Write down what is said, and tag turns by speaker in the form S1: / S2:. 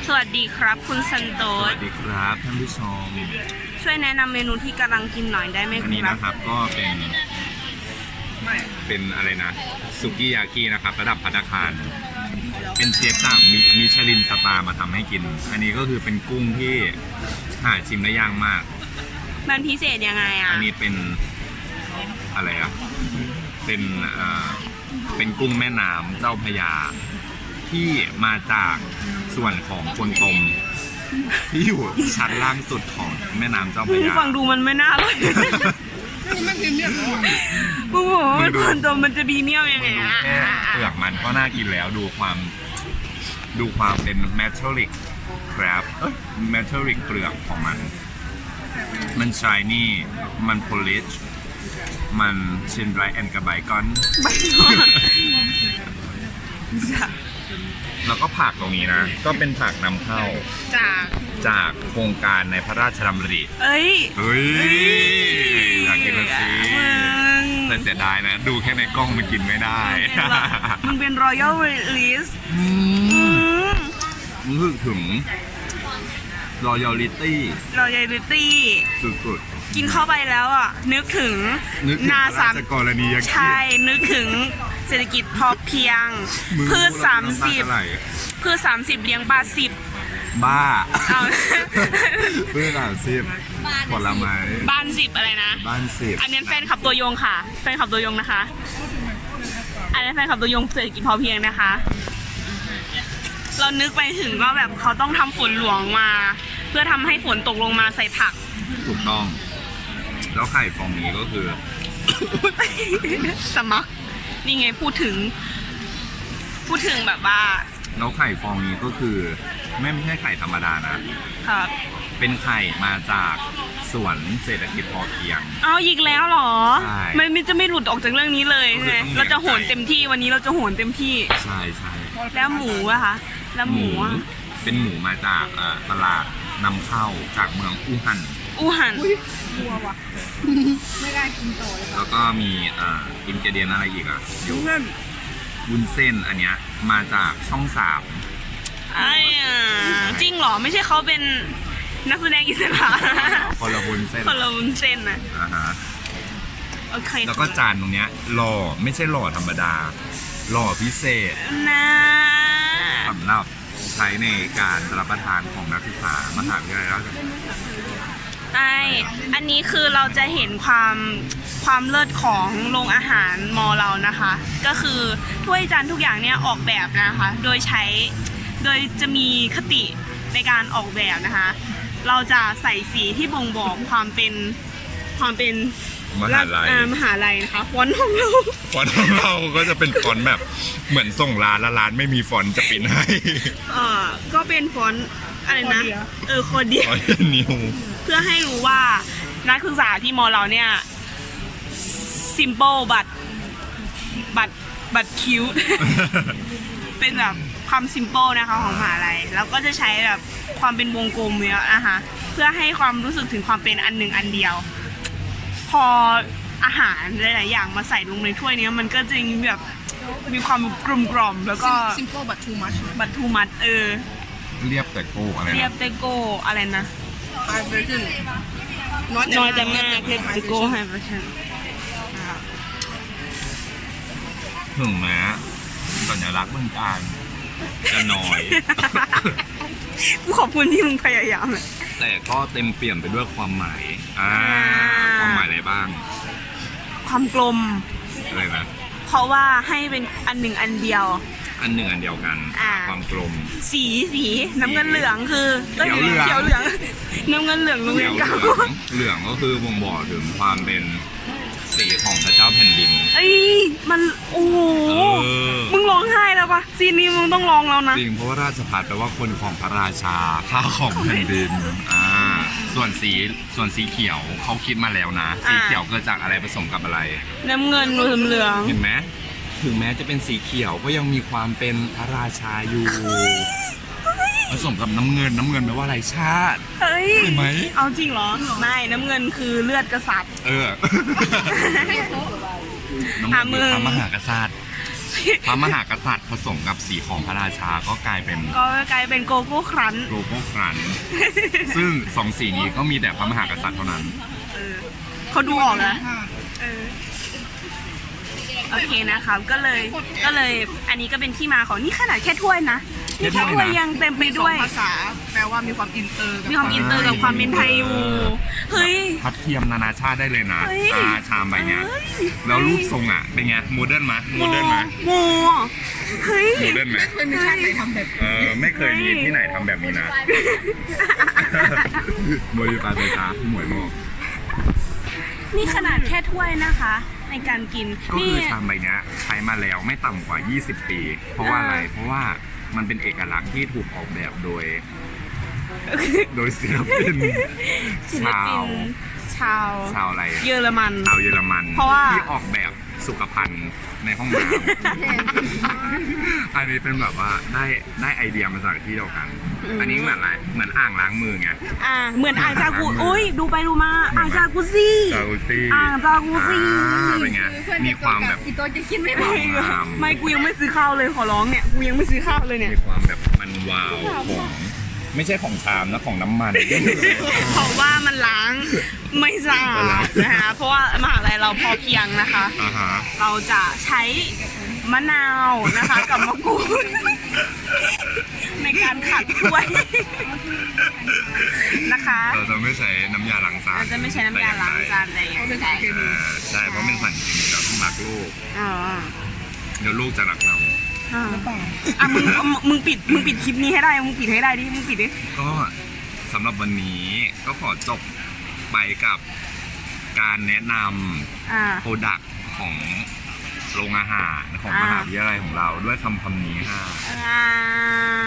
S1: สวัสดีครับคุณซันโต
S2: ส
S1: ส
S2: วัสดีครับท่านผู้ชม
S1: ช่วยแนะนำเมนูที่กำลังกินหน่อยได้ไหม
S2: อัน
S1: ค
S2: นี้
S1: รับ
S2: นะครับก็เป็นอะไรนะสุกี้ยากินะครับระดับภัตตาคารเป็นเชฟจากมิชลินสตาร์มาทำให้กิน อันนี้ก็คือเป็นกุ้งที่หาชิมได้ยากมาก
S1: มันพิเศษยังไงอ่ะ
S2: อันนี้เป็นอะไรอ่ะเป็นเป็นกุ้งแม่น้ำเจ้าพระยาที่มาจากส่วนของคนตมที่อยู่ชั้นล่างสุดของแม่น้ำเจ้าพระยา
S1: ฟังดูมันไม่น่าเลยมึงบอกว่ามันคนตัวมันจะบีเมียวยังไง
S2: ดู
S1: อ่ะ
S2: แค่เปลือกมันก็น่ากินแล้วดูความเป็นเมทัลลิกครับเมทัลลิกเปลือกของมันชายนี่มันโพลิชมันเชนไรแอนกับไบคอน
S1: ไปก่อนจ้ะ
S2: แล้วก็ผักตรงนี้นะ ก็เป็นผักนำเข้า จากโครงการในพระราชดำริ
S1: เอ้ย
S2: เฮ้ยอยากกินละสิแต่เสียดายนะ ดูแค่ในกล้องมันกินไม่ได้
S1: มึงเป็น Royal Release
S2: รู้สึกถึง loyalty
S1: Royalty
S2: สุด
S1: กินเข้าไปแล้วอ่ะ นึกถึง
S2: ๆนึกถึง
S1: นา
S2: พระ
S1: สา
S2: ราม ชกรณียกิจ
S1: ใช่ นึกถึงเศรษฐกิจพอเพียง
S2: มึง
S1: พืช
S2: พูดแล้วน้ำตาจะไหล
S1: 30พืช30เลี้ยงปลา10
S2: บ้า
S1: เอา
S2: เพื่อนผลไม้
S1: บ้าน10อะไรนะ
S2: บ้านสิบ
S1: อันนี้แฟนขับตัวยงค่ะ แฟนขับตัวยงนะคะ อันนี้แฟนขับตัวยงเศรษฐกิจพอเพียงนะคะ เรานึกไปถึงว่าแบบเขาต้องทำฝนหลวงมา เพื่อทำให้ฝนตกลงมาใส่ผัก
S2: ถูกต้อง แล้วไข่ฟองนี้ก็คือ
S1: สมัครนี่ไงพูดถึงแบบว่า
S2: แล้วไข่ฟองนี้ก็คือไม่ใช่ไข่ธรรมดานะ
S1: ครับ
S2: เป็นไข่มาจากสวนเศรษฐกิจพอเพียง
S1: เอาอีกแล้วเหรอ
S2: ใช่
S1: ไม่จะไม่หลุดออกจากเรื่องนี้เลยใช่ไหม
S2: ก็คือต้อง
S1: เราจะโหนเต็มที่วันนี้เราจะโหนเต็มที่
S2: ใช่ใช่
S1: แล้วหมูอะคะแล้วหมูอะ
S2: เป็นหมูมาจากตลาดนำเข้าจากเมืองอู่ฮั่น
S1: อูหัน
S2: แล้วก็มีอินเกเดียนอะไรอีกอ่ะอยู่วุ้นเส้นอันเนี้ยมาจากช่องสาม
S1: ไอ้อะจริงเหรอไม่ใช่เขาเป็นนักแสดงอิสระ
S2: คนละวุ้นเส้น
S1: คนละวุ้นเส้นนะ
S2: อ่าฮะ
S1: โอเค
S2: แล้วก็จานตรงเนี้ยหล่อไม่ใช่หล่อธรรมดาหล่อพิเศษ
S1: นะ
S2: สำหรับใช้ในการรับประทานของนักศึกษามหาวิทยาลัยราชภัฏ
S1: ไออันนี้คือเราจะเห็นความเลิศของโรงอาหารมอเรานะคะ ก็คือถ้วยจานทุกอย่างเนี่ยออกแบบนะคะ โดยจะมีคติในการออกแบบนะคะ เราจะใส่สีที่บ่งบอกความเป็น
S2: มหาลัย
S1: มหาลัยนะคะฟอนต์ของเรา
S2: ฟอนต์ของเราก็จะเป็นฟอนต์แบบเหมือนส่งร้านแล้วร้านไม่มีฟอนต์จะปิดให้
S1: ก็เป็นฟอนต์อะไรนะโคเดีย
S2: ฟอนต์นิว
S1: เพื่อให้รู้ว่านักศึกษาที่มอเราเนี่ย simple but cute เป็นแบบความ simple นะคะของมหาลัยแล้วก็จะใช้แบบความเป็นวงกลมเยอะนะคะเพื่อให้ความรู้สึกถึงความเป็นอันหนึ่งอันเดียว พออาหารหลายๆอย่างมาใส่ลงในถ้วยนี้มันก็จะแบบมีความกลมๆแล้วก็
S3: simple but too much
S1: but too much
S2: เรียบแต่โก้อะไร
S1: เรียบ
S2: นะ
S1: เตโก้อะไรนะ
S3: high version
S1: น้อยแต่มากเรียบเตโก้ไฮเวอร์ชัน
S2: ถึงแม้สัญลักษณ์เมืองการจะน้อย
S1: กูขอบคุณที่มึงพยายามเลย
S2: แต่ก็เต็มเปี่ยมไปด้วยความหมายความหมายอะไรบ้าง
S1: ความกลม
S2: อะไรนะ
S1: เพราะว่าให้เป็นอันหนึ่งอันเดียว
S2: อันหนึ่งอันเดียวกัน ความกลม
S1: สีน้ำเงินเหลืองคือ
S2: เขียวเหลือง
S1: เขียวเหลืองน้ำเงินเหลืองโรง
S2: เห
S1: เรี
S2: ลื
S1: ย
S2: อน ง
S1: เก่า
S2: เหลืองก็คือบ่งบอกถึงความเป็นสีของพระเจ้าแผ่นดิน
S1: เอ้ยมันโอ้โห
S2: เออ
S1: มึงร้องไห้แล้วปะซีนนี้มึงต้องร้องแล้วนะ
S2: จริงเพราะว่าราชภัฏแปลว่าคนของพระราชาข้าของแผ่นดินส่วนสีเขียวเขาคิดมาแล้วนะ สีเขียวเกิดจากอะไรผสมกับอะไร
S1: น้ำเงินเหลือง
S2: เห็นไหมถึงแม้จะเป็นสีเขียวก็ยังมีความเป็นพระราชาอยู่ผสมกับน้ำเงินแปลว่าอะไรชาติ
S1: เฮ้ย
S2: เห็นไหม
S1: เอาจริงเหรอไม่น้ำเงินคือเลือดกษัตริย์
S2: น้ำเงินคือพระมหากษัตริย์
S1: ค
S2: พระมหากษัตริย์ผสมกับสีของพระราชาก็กลายเป็น
S1: ก็กลายเป็นโกโก้ครันช์
S2: โลโก้ครันช์ซึ่งสองสีนี้ก็มีแต่พระมหากษัตริย์เท่านั้น
S1: เขาดูออกนะโอเคนะครับก็เลยอันนี้ก็เป็นที่มาของนี่ขนาดแค่ถ้วยนะนี่แค่ถ้วยยังเต็มไป
S3: มีสอ
S1: ด้ว
S3: ง
S1: ย
S3: ภาษาแปลว่ามีความอินเตอร์กับ
S1: มีความอินเตอร์กับความเป็นไทยอยู่เฮ้ย
S2: พัดเทียมนานาชาติได้เลยนะ
S1: เฮ้ย
S2: ชามใบเนี้ยแล้วรูปทรงอ่ะเป็นไงโมเดิร์นไหมโมเดิร์นไหม
S1: โมเฮ้ย
S2: โมเดิร์นไหม
S3: ไม่เคยมีชาติไหนทำแบบ
S2: ไม่เคยมีที่ไหนทำแบบนี้นะบริการเลยจ้าหมวยโมก
S1: นี่ขนาดแค่ถ้วยนะคะ ในการกิน
S2: ก็
S1: นี่
S2: คือชามใบเนี้ยใช้มาแล้วไม่ต่ำกว่า 20 ปี เพราะว่าอะไร เพราะว่ามันเป็นเอกลักษณ์ที่ถูกออกแบบโดยศิลปิน
S1: ศิลปินชาว
S2: ชาวอะไร
S1: เยอรมัน
S2: ชาวเยอรมัน
S1: เพราะว่า
S2: ที่ออกแบบสุขภัณฑ์ในห้องน้ำ อันนี้เป็นแบบว่าได้ไอเดียมาจากที่เดียวกัน อันนี้เหมือนอะไรเหมือนอ่างล้างมือไง
S1: เหมือนอ่างจากุอุ้ยดูไปดูมาอ่างจากุซี่
S2: จากุซี่
S1: อ่างจากุซี่
S2: เป็นไงมีความแบบ
S3: อีโตจะกินไม่พอ
S1: ไม่กูยังไม่ซื้อข้าวเลยขอร้องเนี่ยกูยังไม่ซื้อข้าวเลยเนี่ย
S2: มีความแบบมันวาวของไม่ใช่ของชามนะของน้ำมัน
S1: เพราะว่ามันล้างไม่สะอาดนะคะเพราะว่ามหาลัยเราพอเพียงนะคะ
S2: อ่าฮะ
S1: เราจะใช้มะนาวนะคะกับมะกรูดในการขัดถ้วยนะคะ
S2: เราจะไม่ใช้น้ำยาล้างจาน
S1: เราจะไม่ใช้น้ำยาล้างจานอะไรอย่างเงี้ย
S2: ใช่เพราะเป็นสัญญาเราต้องรักลูก
S1: อ๋อ
S2: เดี๋ยวลูกจะรักเรา
S1: มึงปิดคลิปนี้ให้ได้มึงปิดให้ได้ดิมึงปิดดิ
S2: ก็สำหรับวันนี้ก็ขอจบไปกับการแนะนำโปรดักต์ของโรงอาหารของมหาวิทยาลัยของเราด้วยคำนี้ค่ะ